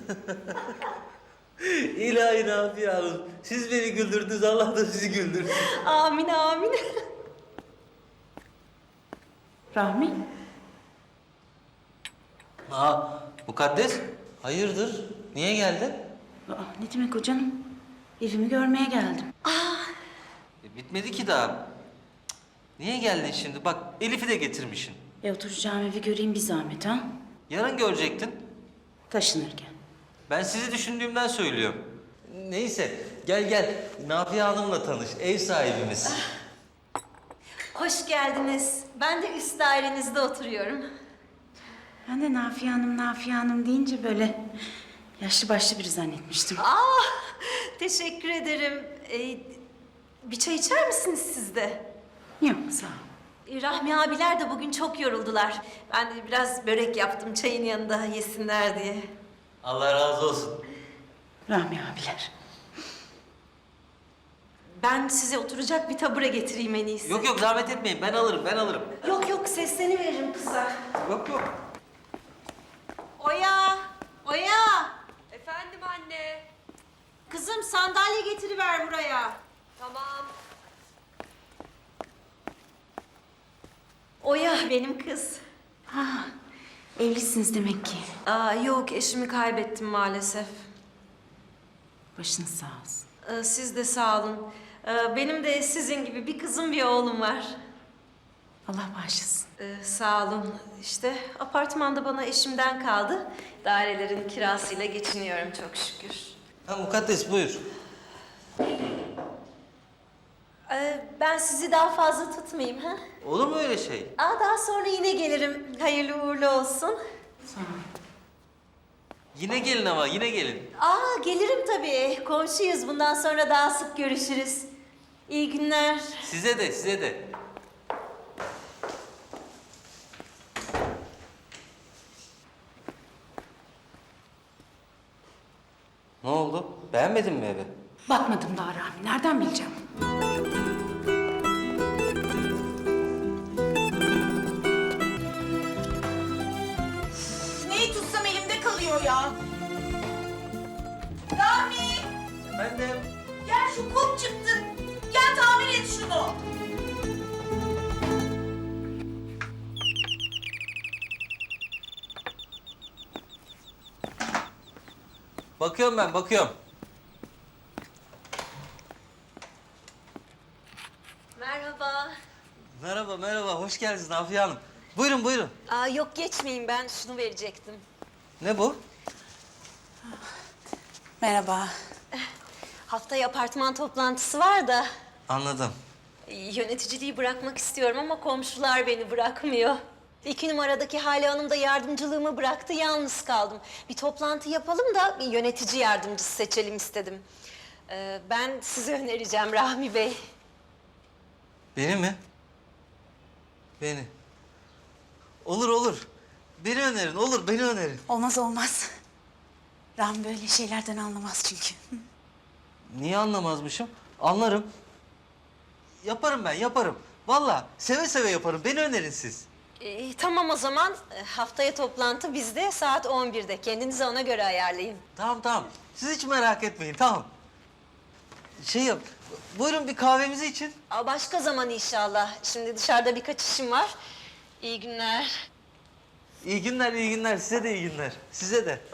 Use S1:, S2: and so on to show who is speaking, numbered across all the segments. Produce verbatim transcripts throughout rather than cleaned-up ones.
S1: İlahi Nafiye Hanım, siz beni güldürdünüz, Allah da sizi güldürsün.
S2: Amin amin.
S3: Rahmi,
S1: Aa, Mukaddes, hayırdır? Niye geldin?
S3: aa, ne demek o canım? Evimi görmeye geldim.
S1: E, bitmedi ki daha. Cık, niye geldin şimdi? Bak, Elif'i de getirmişsin.
S3: E oturacağım evi göreyim bir zahmet ha.
S1: Yarın görecektin.
S3: Taşınırken.
S1: Ben sizi düşündüğümden söylüyorum. Neyse, gel gel. Nafiye Hanım'la tanış, ev sahibimiz.
S2: Hoş geldiniz. Ben de üst dairenizde oturuyorum.
S3: Ben de Nafiye Hanım, Nafiye Hanım deyince böyle yaşlı başlı biri zannetmiştim.
S2: Aa, teşekkür ederim. Ee, bir çay içer misiniz siz de?
S3: Yok, sağ ol.
S2: Ee, Rahmi abiler de bugün çok yoruldular. Ben de biraz börek yaptım çayın yanında yesinler diye.
S1: Allah razı olsun.
S3: Rahmi abiler.
S2: Ben size oturacak bir tabure getireyim en iyisi.
S1: Yok yok, zahmet etmeyin. Ben alırım, ben alırım.
S2: Yok yok, seslerini veririm kıza.
S1: Yok yok.
S2: Oya! Oya!
S4: Efendim anne.
S2: Kızım sandalye getiriver buraya.
S4: Tamam.
S2: Oya benim kız.
S3: Ha, evlisiniz demek ki.
S2: Aa, yok eşimi kaybettim maalesef.
S3: Başınız sağ olsun.
S2: Ee, siz de sağ olun. Ee, benim de sizin gibi bir kızım bir oğlum var.
S3: Allah bağışlasın.
S2: Ee, sağ olun. İşte apartmanda bana eşimden kaldı. Dairelerin kirasıyla geçiniyorum çok şükür.
S1: Ha, Mukaddes buyur.
S2: Ee, ben sizi daha fazla tutmayayım ha?
S1: Olur mu öyle şey?
S2: Aa, daha sonra yine gelirim. Hayırlı uğurlu olsun.
S3: Sağ ol.
S1: Yine gelin ama, yine gelin.
S2: Aa, gelirim tabii. Komşuyuz. Bundan sonra daha sık görüşürüz. İyi günler.
S1: Size de, size de. Ne oldu? Beğenmedin mi evi?
S3: Bakmadım daha Rahmi. Nereden bileceğim?
S4: Neyi tutsam elimde kalıyor ya. Rami,
S1: Efendim?
S4: gel şu kum çıktı. Gel tamir et şunu.
S1: Bakıyorum ben, bakıyorum.
S2: Merhaba.
S1: Merhaba, merhaba. Hoş geldiniz Nafiye Hanım. Buyurun, buyurun.
S2: Aa, yok geçmeyin, ben şunu verecektim.
S1: Ne bu?
S3: Merhaba.
S2: Haftaya apartman toplantısı var da
S1: Anladım.
S2: e, yöneticiliği bırakmak istiyorum ama komşular beni bırakmıyor. İki numaradaki Hale Hanım da yardımcılığımı bıraktı, yalnız kaldım. Bir toplantı yapalım da bir yönetici yardımcısı seçelim istedim. Ee, ben sizi önereceğim Rahmi Bey.
S1: Beni mi? Beni. Olur, olur. Beni önerin, olur. Beni önerin.
S3: Olmaz olmaz. Rahmi böyle şeylerden anlamaz çünkü.
S1: Niye anlamazmışım? Anlarım. Yaparım ben, yaparım. Vallahi seve seve yaparım. Beni önerin siz.
S2: Ee, tamam o zaman Ee, haftaya toplantı bizde saat on birde. Kendinizi ona göre ayarlayın.
S1: Tamam, tamam. Siz hiç merak etmeyin, tamam. Şey yap, buyurun bir kahvemizi için.
S2: Aa, başka zaman inşallah. Şimdi dışarıda birkaç işim var. İyi günler.
S1: İyi günler, iyi günler. Size de iyi günler. Size de.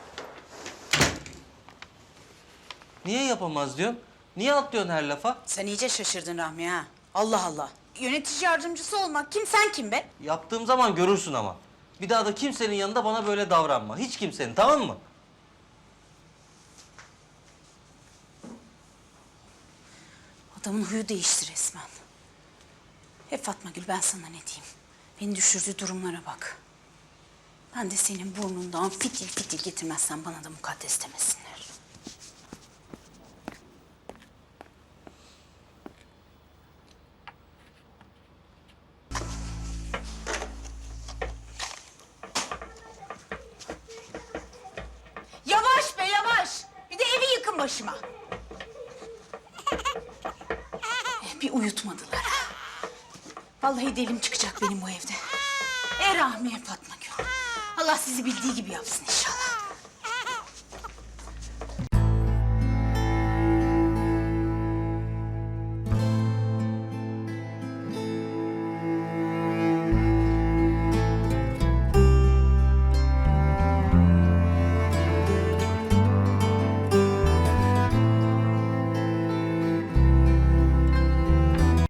S1: Niye yapamaz diyorsun? Niye atlıyorsun her lafa?
S5: Sen iyice şaşırdın Rahmi ha. Allah Allah. Yönetici yardımcısı olmak kim, sen kim be?
S1: Yaptığım zaman görürsün ama. Bir daha da kimsenin yanında bana böyle davranma. Hiç kimsenin, tamam mı?
S3: Adamın huyu değişti resmen. Hep Fatma Gül, ben sana ne diyeyim? Beni düşürdüğü durumlara bak. Ben de senin burnundan fitil fitil getirmezsen bana da mukaddes demesinler.
S5: Yavaş be yavaş. Bir de evi yıkın başıma.
S3: Bir uyutmadılar ha. Vallahi delim çıkacak benim bu evde. E Rahmiye Fatma Gül. Allah sizi bildiği gibi yapsın işte.